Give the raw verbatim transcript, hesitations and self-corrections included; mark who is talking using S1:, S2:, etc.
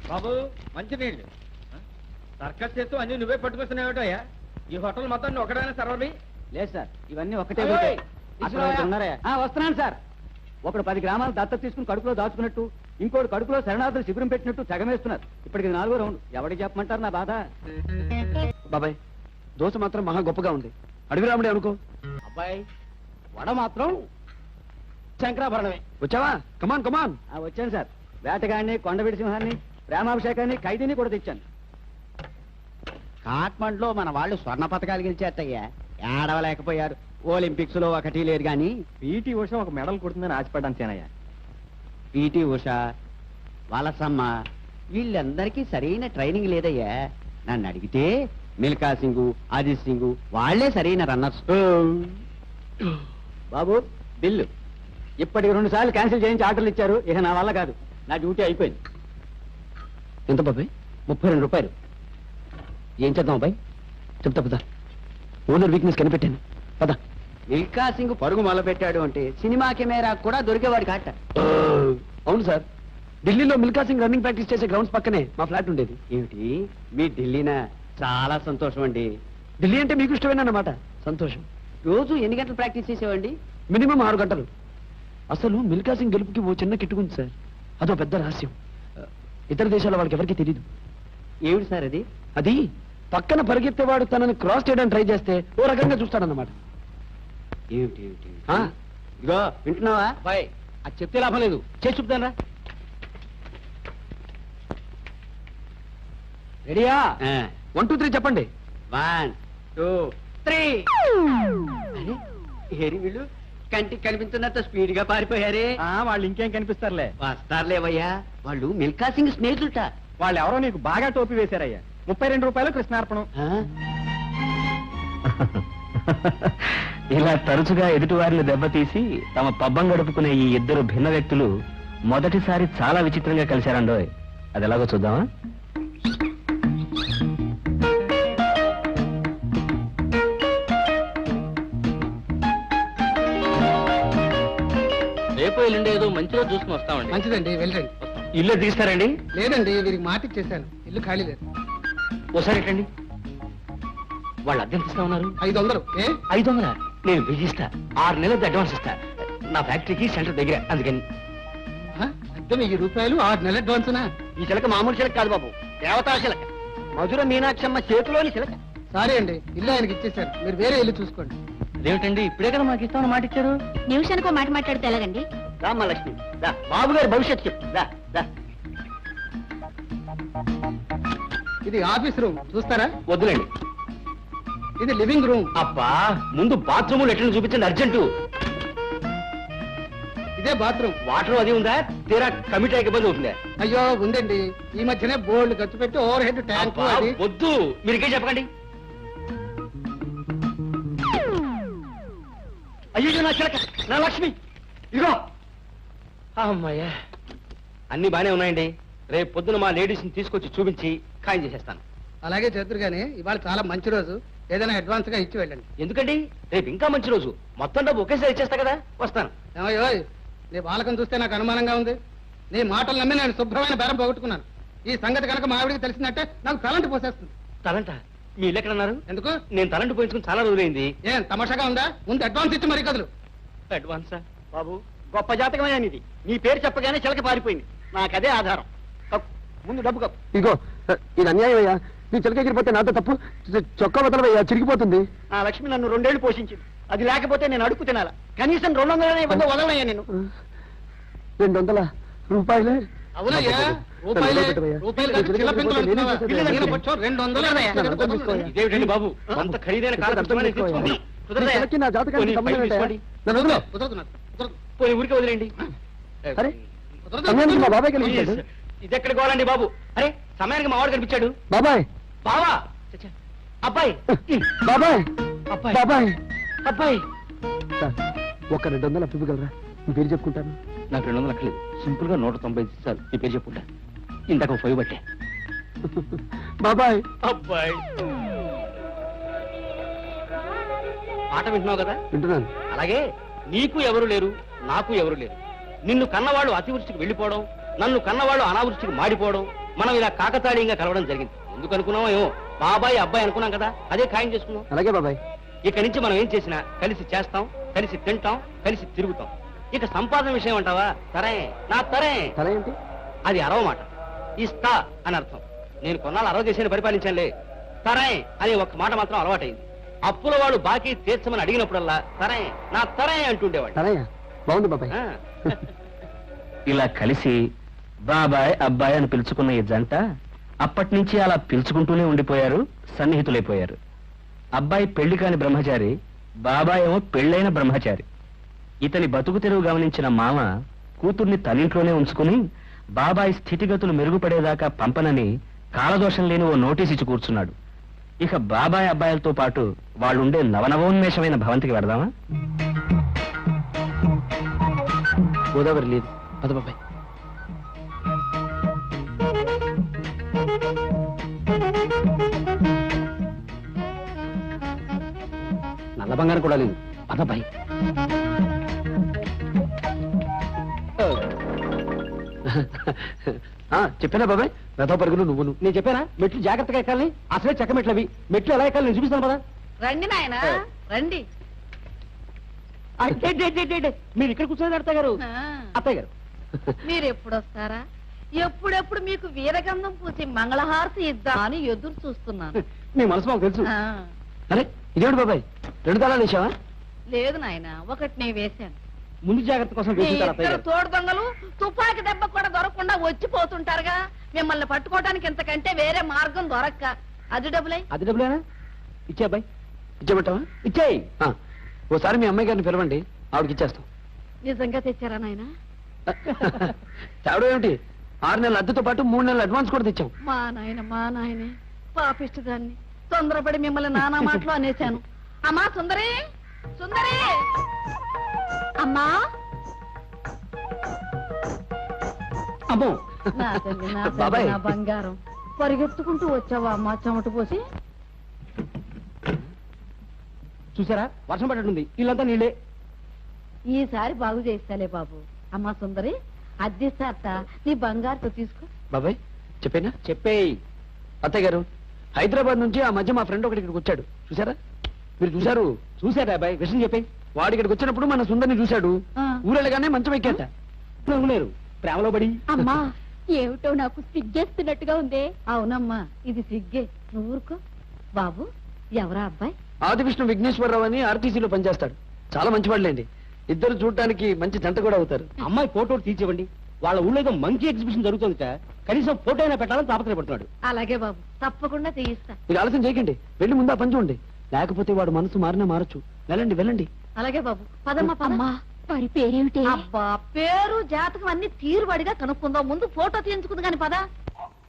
S1: బాబు మంచినీళ్ళు సర్కస్ చేస్తూ అన్ని నువ్వే పట్టుకొస్తున్నావుటయ్యా. ఈ హోటల్ మొత్తం ఒకడైనా సర్వర్వి
S2: లేదు సార్, ఇవన్నీ ఒక్కటే ఉన్నారా? వస్తున్నాను సార్. ఒకడు పది గ్రామాలు దత్తత తీసుకుని కడుపులో దాచుకున్నట్టు, ఇంకోటి కడుపులో శరణార్థులు శిబిరం పెట్టినట్టు తెగమేస్తున్నారు. ఇప్పటికి నాలుగో రౌండ్. ఎవరికి చెప్పమంటారు నా బాధ?
S3: బాబాయ్ దోశ మాత్రం మహా గొప్పగా ఉంది. అడుగురాముడే అనుకో.
S2: అబ్బాయి వడ మాత్రం శంకరాభరణమే.
S3: వచ్చావా? కమాన్ కమాన్.
S2: వచ్చాను సార్. వేటగాడిని, కొండవీడి సింహాన్ని, ప్రేమాభిషేకాన్ని, ఖైదీని కూడా తెచ్చాను. కాట్మండ్లో మన వాళ్ళు స్వర్ణ పథకాలు గెలిచేస్తాయ్యా. ఏడవలేకపోయారు. ఒలింపిక్స్ లో ఒకటి లేదు గాని పీటీ ఉష ఒక మెడల్ కొడుతుందని ఆశపడ్డాను సేనయ్య. పీటీ ఉష, వలసమ్మ వీళ్ళందరికీ సరైన ట్రైనింగ్ లేదయ్యా. నన్ను అడిగితే మిల్కా సింగ్, అజిత్ సింగ్ వాళ్లే సరైన రన్నర్స్. బాబు బిల్లు ఇప్పటికి రెండు సార్లు క్యాన్సిల్ చేయించి ఆర్డర్లు ఇచ్చారు. ఇక నా వల్ల కాదు. నా డ్యూటీ అయిపోయింది.
S3: ఎంత బాబాయ్?
S2: ముప్పై రెండు రూపాయలు.
S3: ఏం చేద్దాం అబ్బాయి? చెప్తా పదా. ఓనర్ వీక్నెస్ కనిపెట్టాను పదా.
S2: మిల్కా సింగ్ పరుగు మొదలుపెట్టాడు అంటే సినిమా కెమెరా కూడా దొరికేవాడు కాట.
S3: అవును సార్, ఢిల్లీలో మిల్కా సింగ్ రన్నింగ్ ప్రాక్టీస్ చేసే గ్రౌండ్స్ పక్కనే మా ఫ్లాట్ ఉండేది.
S2: ఏమిటి మీ ఢిల్లీనా? చాలా సంతోషం అండి.
S3: ఢిల్లీ అంటే మీకు ఇష్టమేనన్నమాట. సంతోషం.
S2: రోజు ఎన్ని గంటలు ప్రాక్టీస్ చేసేవండి?
S3: మినిమం ఆరు గంటలు. అసలు మిల్కా సింగ్ గెలుపుకి ఓ చిన్న కిట్టుకుంది సార్. అదో పెద్ద రహస్యం. ఇతర దేశాల వాళ్ళకి ఎవరికి తెలియదు.
S2: ఏమిటి సార్ అది?
S3: అది పక్కన పరిగెత్తేవాడు తనని క్రాస్ చేయడానికి ట్రై చేస్తే ఓ రకంగా చూస్తాడన్నమాట.
S2: ఏమిటి ఏమిటి ఇగో వింటున్నావా బాయ్? అది చెప్తే లాభం లేదు. చేసి చూపుతానరా. రెడీయా?
S3: వన్ టూ త్రీ చెప్పండి.
S2: One two three. ఏరి వీళ్ళు కంటికి కనిపించినంత స్పీడ్ గా పారిపోయారే.
S1: వాళ్ళు ఇంకేం కనిపిస్తారులే.
S2: వస్తారులేవయ్యా. వాళ్ళు మిల్కా సింగ్ స్నేహితులట.
S1: వాళ్ళు ఎవరో నీకు బాగా టోపీ వేశారయ్యా. ముప్పై రెండు రూపాయలు కృష్ణార్పణం.
S4: ఇలా తరచుగా ఎదుటివారిని దెబ్బతీసి తమ పబ్బం గడుపుకునే ఈ ఇద్దరు భిన్న వ్యక్తులు మొదటిసారి చాలా విచిత్రంగా కలిశారండోయ్. అది ఎలాగో చూద్దామా?
S1: రేపు ఎల్లుండి ఏదో మంచిగా చూసుకుని వస్తామండి.
S5: మంచిదండి, వెళ్ళండి.
S4: ఇల్లు తీస్తారండి?
S5: లేదండి, వీరికి మాట ఇచ్చేసాను. ఇల్లు ఖాళీ లేదు.
S4: ఒకసారి ఎట్టండి. వాళ్ళు అద్దెంత ఇస్తా ఉన్నారు?
S5: ఐదు వందలు. ఏ
S4: ఐదు వందల? నేను బిజిస్తా. ఆరు నెలలది అడ్వాన్స్ ఇస్తా. నా ఫ్యాక్టరీకి సెంటర్ దగ్గర, అందుకని.
S5: అద్దె వెయ్యి రూపాయలు, ఆరు నెలల అడ్వాన్స్నా?
S2: ఈ చిలక మామూలు చిలక కాదు బాబు, దేవతా చిలక. మధుర మీనాక్షమ్మ చేతిలోని చిలక.
S5: సారీ అండి, ఇల్లు ఆయనకి ఇచ్చేసాను. మీరు వేరే ఇల్లు చూసుకోండి.
S4: అదేమిటండి, ఇప్పుడే కదా మాకు ఇస్తామని మాట ఇచ్చారు.
S6: నిమిషానికి మాట మాట్లాడితే ఎలాగండి?
S2: రామ్మ లక్ష్మి, దా బాబు గారి భవిష్యత్తు చెప్పు. దా దా.
S5: ఇది ఆఫీస్ రూమ్, చూస్తారా?
S4: వద్దులేండి.
S5: ఇది లివింగ్ రూమ్.
S4: అబ్బా, ముందు బాత్రూమ్ లెట్రిన్ చూపించండి అర్జెంటు.
S5: ఇదే బాత్రూమ్.
S4: వాటర్ అది ఉందా? తీరా కమిటీ ఇబ్బంది అవుతుందా?
S5: అయ్యో ఉందండి. ఈ మధ్యనే బోర్డు ఖర్చు పెట్టి ఓవర్ హెడ్ ట్యాంక్.
S4: వద్దు, మీరు ఇంకేం చెప్పకండి.
S2: అయ్యో నా చిలక, నా లక్ష్మి, ఇదిగో.
S4: అమ్మాయ్యా, అన్ని బానే ఉన్నాయండి. రేపు పొద్దున మా లేడీస్ ని తీసుకొచ్చి చూపించి ఖాయం చేసేస్తాను.
S5: అలాగే చేతురు గానీ ఇవాళ చాలా మంచి రోజు. ఏదైనా అడ్వాన్స్ గా ఇచ్చి వెళ్ళండి.
S4: ఎందుకండి, రేపు ఇంకా మంచి రోజు. మొత్తం డబ్బు ఒకేసారి ఇచ్చేస్తా కదా. వస్తాను.
S5: ఏమయ్యో, నీ బాలకం చూస్తే నాకు అనుమానంగా ఉంది. నీ మాటలు నమ్మి నేను శుభ్రమైన బేరం పోగొట్టుకున్నాను. ఈ సంగతి కనుక మా ఆవిడికి తెలిసిందంటే నాకు తలంటి పోసేస్తుంది.
S4: తలంట? మీ ఇల్లు ఎక్కడ అన్నారు?
S5: ఎందుకు?
S4: నేను తలంటి పోయించుకుని చాలా రోజులైంది.
S5: ఏం తమాషాగా ఉందా? ముందు అడ్వాన్స్ ఇచ్చి మరీ కదులు.
S4: అడ్వాన్సా?
S2: బాబు, గొప్ప జాతకమైన ఇది. నీ పేరు చెప్పగానే చిలక పారిపోయింది. నాకదే ఆధారం. ముందు డబ్బు కప్పు.
S3: ఇగో, ఇది అన్యాయం అయ్యా. నీ చిలక ఎగిరిపోతే నాతో తప్పు. చొక్కా వదలవయ్యా, చిరిగిపోతుంది.
S2: నా లక్ష్మి నన్ను రెండేళ్లు పోషించింది. అది లేకపోతే నేను అడుగు తినాలా? కనీసం రెండు వందలనే ఇవ్వదో వదలనయ్యా నేను.
S3: రెండు వందల రూపాయలే?
S5: అవునయ్యా, రూపాయలే. రూపాయలు కాదు, చిల్ల పెంకులు అనుకున్నావా? ఈయన కొంచెం రెండు వందలు అన్నయ్య.
S4: ఇదేమిటండి బాబు, కొంత ఖరీదైన కారు తెచ్చుకోమని తెచ్చుకోండి. కుదరదయ్యా?
S3: నా జాతకానికి సంబంధం ఏంటయ్యా? నన్ను వదిలో.
S5: కుదరదు నాకు, కుదరదు.
S4: పోనీ ఊరికే వదిలేండి.
S3: అరే,
S5: కుదరదు.
S3: సమయానికి మా బాబాయ్ కనిపించాడు.
S4: ఇది ఎక్కడ గోలండి బాబు? అరే, సమయానికి మా వాడు కనిపించాడు.
S3: బాబాయ్,
S4: బావా, అబ్బాయి,
S3: బాబాయ్,
S4: అబ్బాయి,
S3: బాబాయ్.
S4: అబ్బాయి.
S3: సార్, ఒక రెండు వందలు అప్పు ఇవ్వగలరా? మీ పేరు చెప్పుకుంటాను.
S4: నాకు రెండు వందలు అక్కలేదు. సింపుల్ గా నూట తొంభై సార్ మీ పేరు చెప్పుకుంటా. ఇంతకు ఫైవ్ బట్టే.
S3: బాబాయ్,
S4: అబ్బాయి. మాట వింటున్నావు కదా?
S3: వింటున్నాను.
S4: అలాగే నీకు ఎవరు లేరు, నాకు ఎవరు లేరు. నిన్ను కన్నవాళ్ళు అతివృష్టికి వెళ్ళిపోవడం, నన్ను కన్నవాళ్ళు అనావృష్టికి మాడిపోవడం, మనం ఇలా కాకతాళీయంగా కలవడం జరిగింది. ఎందుకు అనుకున్నామో ఏమో, బాబాయ్ అబ్బాయి అనుకున్నాం కదా, అదే ఖాయం చేసుకున్నాం.
S3: అలాగే బాబాయ్.
S4: ఇక నుంచి మనం ఏం చేసినా కలిసి చేస్తాం, కలిసి తింటాం, కలిసి తిరుగుతాం. ఇక సంపాదన విషయం అంటావా, తరే నా తరే
S3: తల ఏంటి?
S4: అది అరవ మాట, ఇస్తా అని అర్థం. నేను కొన్నాళ్ళు అరవ దేశాన్ని పరిపాలించానులే. తరే అనే ఒక్క మాట మాత్రం అలవాటైంది. అప్పుల వాళ్ళు బాకీ తీర్చమని అడిగినప్పుడల్లా తరే నా తరే అంటుండేవాడు.
S3: తలయ్యా బాగుంది బాబాయ్.
S4: ఆ.
S2: ఇలా కలిసి బాబాయ్ అబ్బాయి అని పిలుచుకున్న ఈ జంట అప్పటి నుంచి అలా పిలుచుకుంటూనే ఉండిపోయారు, సన్నిహితులైపోయారు. అబ్బాయి పెళ్లి కాని బ్రహ్మచారి, బాబాయ్ ఏమో పెళ్ళైన బ్రహ్మచారి. ఇతని బతుకు తెరువు గమనించిన మామ కూతుర్ని తనింట్లోనే ఉంచుకుని బాబాయ్ స్థితిగతులు మెరుగుపడేదాకా పంపనని కాలదోషం లేని ఓ నోటీస్ ఇచ్చి కూర్చున్నాడు. ఇక బాబాయ్ అబ్బాయిలతో పాటు వాళ్ళుండే నవనవోన్మేషమైన భవంతికి వెడదామా?
S3: గోదావరి లేదు పద బాబాయ్. నల్ల బంగారం కూడా లేదు పద బాయ్. చెప్పానా బాబాయ్, రథ పరుగులు నువ్వును. నేను చెప్పానా మెట్లు జాగ్రత్తగా ఎక్కాలని? అసలే చెక్క మెట్లు అవి. మెట్లు ఎలా ఎక్కాలి నేను చూపిస్తాను పదా.
S7: రండి నాయన రండి.
S3: మీరు ఇక్కడ కూర్చొని అత్తయ్య గారు. అత్తయ్య గారు
S7: మీరు ఎప్పుడు వస్తారా? ఎప్పుడెప్పుడు మీకు వీరగంధం పూసి మంగళహారతి ఇద్దాం అని ఎదురు చూస్తున్నాను.
S3: మీ మనసు మాకు తెలుసు.
S7: ఆ,
S3: అరే ఇదేమిటి బాబాయ్, రెండు తాళాలు వేసావా?
S7: లేదు నాయన, ఒకటి నేను వేశాను.
S3: ముందు జాగ్రత్త కోసం
S7: మీ
S3: వేసుకుంటారు అత్తయ్య
S7: ఇద్దరు
S3: గారు.
S7: తోడు దొంగలు తుపాకి దెబ్బ కూడా దొరకకుండా వచ్చిపోతుంటారుగా. మిమ్మల్ని పట్టుకోవడానికి ఇంతకంటే వేరే మార్గం దొరక్క. అది డబ్బులై
S3: అది డబ్బులేనా? ఇచ్చే అబ్బాయి ఇచ్చేయమంటావా? ఇచ్చేయి. ఆ, ఓసారి మీ అమ్మాయి గారిని పిలవండి, ఆవిడకి ఇచ్చేస్తాం.
S7: నిజంగా తెచ్చారా నాయన?
S3: తేవడం ఏమిటి, ఆరు నెలల అద్దెతో పాటు మూడు నెలల అడ్వాన్స్ కూడా తెచ్చాం.
S7: మా నాయన మా నాయనే పాపిష్టి దాన్ని తొందరపడి మిమ్మల్ని నానా మాటలు అనేశాను. అమ్మా సుందరి, సుందరి
S6: అమ్మా
S3: అమ్మో
S7: నా తల్లి, నా తల్లి,
S3: బాబాయ్.
S7: నా బంగారం, పరిగెత్తుకుంటూ వచ్చావా అమ్మా చెమట పోసి?
S3: చూసారా వర్షం పడ్డట్టుంది, ఇల్లంతా నీళ్ళే.
S7: ఈసారి బాగు చేస్తాలే బాబు. అమ్మా సుందరి, అద్దెస్తారట, నీ బంగారుతో తీసుకో.
S3: బాబాయ్ చెప్పేనా? చెప్పేయి. అత్తయ్య గారు హైదరాబాద్ నుంచి ఆ మధ్య మా ఫ్రెండ్ ఒకటి ఇక్కడికి వచ్చాడు, చూసారా? మీరు చూసారు? చూసారా అబ్బాయి, విషయం చెప్పాయి. వాడు ఇక్కడికి వచ్చినప్పుడు మన సుందరిని చూశాడు,
S7: ఆ.
S3: ఊరెళ్ళగానే మంచం ఎక్కాట. నవ్వులేరు ప్రేమలో పడి.
S6: అమ్మా ఏమిటో నాకు సిగ్గేస్తున్నట్టుగా ఉందే.
S7: అవునమ్మా, ఇది సిగ్గే, నువ్వు ఊరుకో. బాబు ఎవరా అబ్బాయి?
S3: ఆది విష్ణు విఘ్నేశ్వరరావు అని ఆర్టీసీలో పనిచేస్తాడు, చాలా మంచివాళ్ళండి. ఇద్దరు చూడటానికి మంచి జంట కూడా అవుతారు. అమ్మాయి ఫోటో తీర్చివ్వండి, వాళ్ళ ఊళ్ళో ఏదో మంకీ ఎగ్జిబిషన్ జరుగుతుందిట, కనీసం ఫోటో అయినా పెట్టాలని తాపత్రయపడుతున్నాడు.
S7: అలాగే బాబు, తప్పకుండా తీయిస్తా.
S3: మీరు ఆలస్యం చేయకండి, వెళ్ళి ముందు ఆ పని చూడండి, లేకపోతే వాడు మనసు మారినా మారచ్చు. వెళ్ళండి వెళ్ళండి.
S7: అలాగే బాబు, పదమ్మా పద.
S6: అమ్మా వారి పేరేమిటి?
S7: అబ్బా, పేరు జాతకం అన్ని తీరుబడిగా కనుక్కుందాం, ముందు ఫోటో తీయించుకుంది కాని పద.